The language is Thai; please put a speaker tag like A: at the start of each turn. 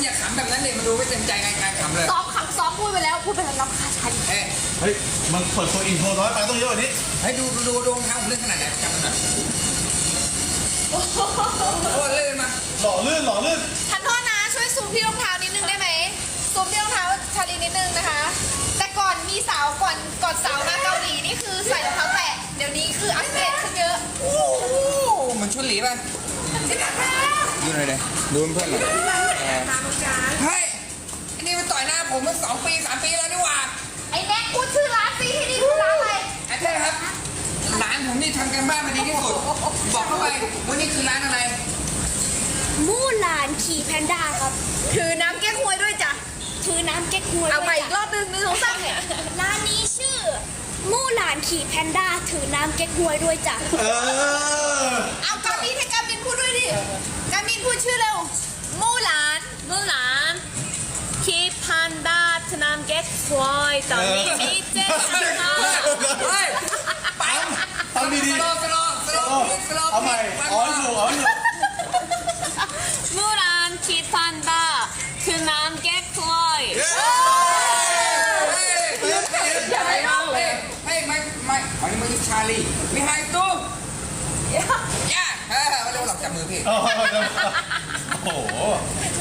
A: อย่าขำแบบนั้นเลยมันดูไม่เต็มใจการขำเลย
B: ซ้อมพูดไปแล้วพูดไปแล้วรำคาญฉัน
A: เฮ้ย
C: มันเปิดตัวอินโทรน้อยไปต้องเยอะกว่านี้
A: ให้ดูรองเท้าผมเลื่อนขนาดไหนจำมันหน่อยโอ้เลื่อนมา
C: หล่อลื่น
B: ทันโทษนะช่วยซูมที่รองเท้านิดนึงได้ไหมซูมที่รองเท้าชาลีนิดนึงนะคะ แต่ก่อนมีสาวก่อนสาวมาเกาหลีนี่คือใส่รองเท้าแตะเดี๋ยวนี้คืออัปเกรดขึ้นเยอะ
A: โอ้มันชุดหลีป่ะดูหน่อยเลยดูเพื่อนหน่อยเฮ้ยอันนี้มันต่อยหน้าผมเมื่อ2 ปี 3 ปีแล้วนี่หว่า
B: ไอ้แน็กพูดชื่อร้านสิที่นี่คือร้านอะไร
A: ไอ้เท่ครับร้านผมนี่ทำกันบ้านมาดีที่สุดบอกเข้าไปว่านี่คือร้านอะไร
D: มู่หลานขี่แพนด้าครับ
B: ถือน้ำแก้ควยด้วยจ้ะ
D: ถือน้ำเก๊กฮวย
B: เอาใหม่
D: ด้วย
B: อีกรอบนึง1 2 3เนี่ย
D: ร้านนี้ชื่อ มู่หลานขี่แพนด้าถือน้ำเก๊กฮวยด้วยจ้ะ
B: เอากามินให้กามินพูดด้วยดิกามินพูดชื่อเร็วมู่หลานคีพันดาทนามเก็ตควยตอนนี้มีเจ๊ค่ะ
A: เฮ้ยไป
C: ทำดี
A: สโลว์
C: เอาใหม่อ๋ออยู่
B: มู่หลานคีพันดาทนามเก็ตควย
A: อย่าไปเอาเลยเฮ้ยไม่อันนี้มันชาลีมีไฮตู้ย่ามาเร็วหลับจับมือพี่
C: โอ้โห